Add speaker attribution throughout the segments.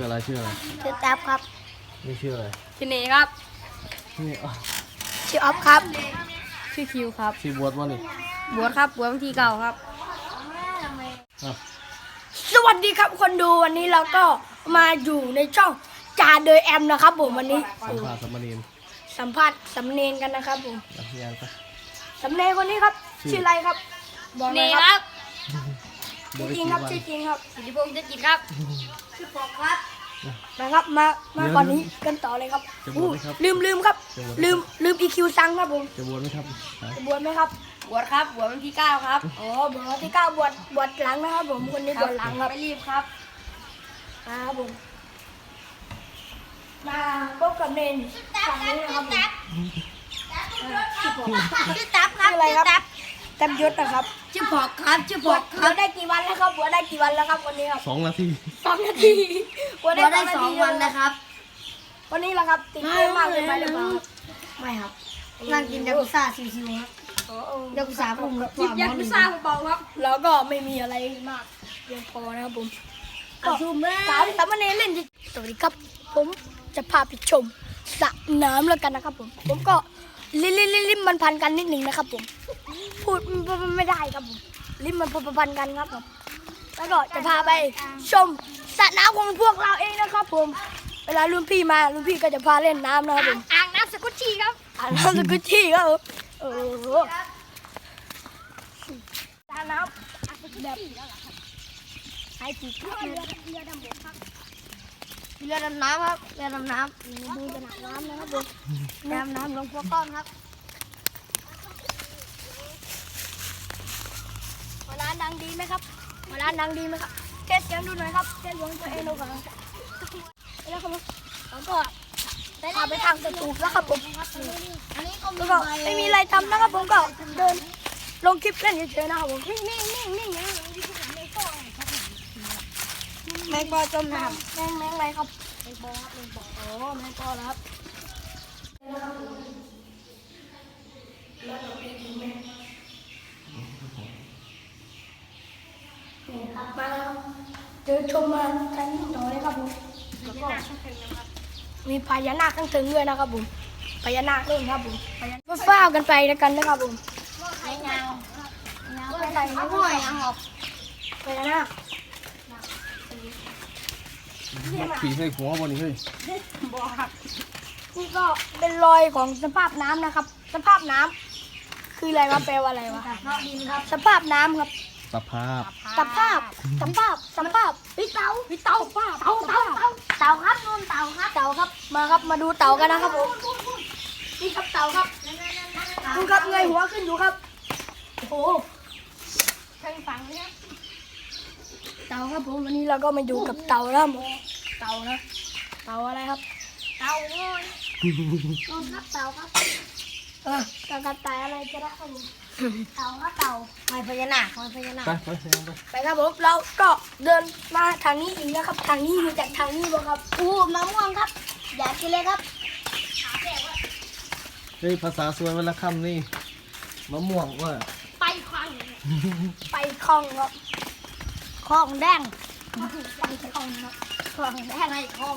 Speaker 1: อะไรชื่อ
Speaker 2: แท็บครับ
Speaker 1: นี่ชื่ออะไร
Speaker 2: ชื่อเนครับ
Speaker 1: นี่
Speaker 2: ชื่อออฟครับชื่อคิวครับ
Speaker 1: ชื่อบวชวะนี่
Speaker 2: บวชครับบวชวันที่เก่าครับ
Speaker 1: ส
Speaker 2: วัสดีครับคนดูวันนี้เราก็มาอยู่ในช่องจ่าโดยแอมนะครับผมวันนี้
Speaker 1: สัมภาษณ์สมณีน
Speaker 2: สัมภาษณ์สำเนียงกันนะครับผม
Speaker 1: ยังปะ
Speaker 2: สำเนียงคนนี้ครับชื่ออะไรครับบอกเลยครับจริงครับชื่อจริงครับสิริพงษ์จะจิตครับชื่อปอกครับนะครับมาก่อนนี้กันต่อเลยครับลืมครับลืม EQ ซังครับผม
Speaker 1: จะบวชไหมครับ
Speaker 2: จะบวชไหมครับบวชครับบวชวันที่9ครับอ๋อบวชวันที่9บวชหลังนะครับผมคนนี้บวชหลังครับไม่รีบครับครับผมมาพบกับเนนฝั่งนี้นะครับผมชื่อตับครับอะไรครับตับยศนะครับชื่อพอกครับชื่อพอกครับได้กี่วันแล้วครับบวชได้กี่วันแล้วครับวันนี้ครับ
Speaker 1: 2 นาที
Speaker 2: บวชได้2 วันแล้วครับวันนี้ละครับติดเยอะมากเลยไปหรือเปล่าไม่ครับนั่งกินยากุซ่าชิวๆครับยากุซ่าผมกินยากุซ่าเบาๆครับแล้วก็ไม่มีอะไรมากเพียงพอนะครับผมสามเณรเล่นสวัสดีครับผมจะพาไปชมสระน้ำแล้วกันนะครับผมก็ลิ้มมันพันกันนิดหนึ่งนะครับผมพูดไม่ได้ครับผมลิ้มมันพันกันครับผมแล้วก็จะพาไปชมสระน้ำของพวกเราเองนะครับผมเวลารุ่นพี่มารุ่นพี่ก็จะพาเล่นน้ำนะครับผมอ่างน้ำสกุชชี่ครับอ่างน้ำสกุชชี่ครับผมสระน้ำแบบไฮจีครับเรือดำบกครับเรือดำน้ำครับเรือดำน้ำดูสนามน้ำนะครับผมน้ำลงพวกก้อนครับร้านดังดีไหมครับร้านดังดีไหมครับเทสเสียงดูหน่อยครับเทสเสียงตัวเองดูก่อนแล้วครับแล้วก็พาไปทางสตูแล้วครับผมแล้วก็ไม่มีอะไรทำนะครับผมก็เดินลงคลิปเล่นเฉยๆนะครับผมนิ่งแมงปอจมน้ำแมงอะไรครับแมงปอครับแมงปอโอ้แมงปอแล้วครับมาเดินชมมาชั้นต่อเลยครับผมแล้วก็มีพญานาคทั้งถึงด้วยนะครับผมพญานาคด้วยครับผมก็ฟ้ากันไปแล้วกันนะครับผมไอ้เงาใส่ห้อยหอบพญานาค
Speaker 1: ปีใส่หัวบนนี้เฮ้ย
Speaker 2: บอกครับนี่ก็เป็นรอยของสภาพน้ำนะครับสภาพน้ำคืออะไรวะแปลว่าอะไรวะดินครับสภาพน้ำครับ
Speaker 1: สภาพ
Speaker 2: วิเตาครับนู่นเตาครับมาครับมาดูเตากันนะครับผมนี่ครับเตาครับดูครับเงยหัวขึ้นอยู่ครับโอ้โหเชิงฝังเลยครับเตาครับผมวันนี้เราก็มาอยู่กับเตาแล้วเตานะเตาอะไรครับเตาโง่ครับเตาครับกระต่ายอะไรจะได้ครับผมเต่าครับเต่าหอยพญานาค
Speaker 1: ไป
Speaker 2: ครับผมเราก็เดินมาทางนี้อีกนะครับทางนี้อยู่จากทางนี้บ่ครับมะม่วงครับอยากกินเลยครับ
Speaker 1: เฮ้ยภาษาสวยวันละคำนี่มะม่วงว่า
Speaker 2: ไปคลองครับคลองแดงไปคลองครับคลองแดงไปคลอง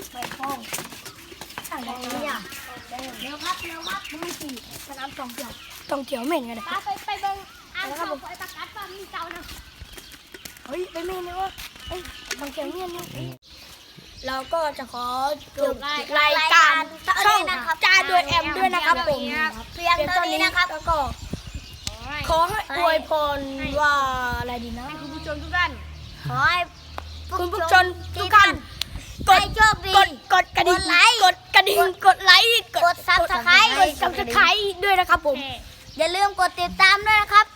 Speaker 2: ทางนี้เร็วครับมึงสี่สนามท่องเที่ยวเหม็นกันเลยไปเบิ้งอ่างเขาไปประกาศว่ามีเจ้านะเฮ้ยไปเมนเลยวะบางเจ้าเนี่ยเราก็จะขอจบรายการช่องจ่าโดยแอมด้วยนะครับผมเพียงเท่านี้นะครับแล้วก็ขอให้อวยพรว่าอะไรดีนะคุณผู้ชมทุกท่านขอให้คุณผู้ชมทุกท่านกดกระดิ่งกดไลค์กดซับสไครต์ด้วยนะครับผมอย่าลืมกดติดตามด้วยนะครับ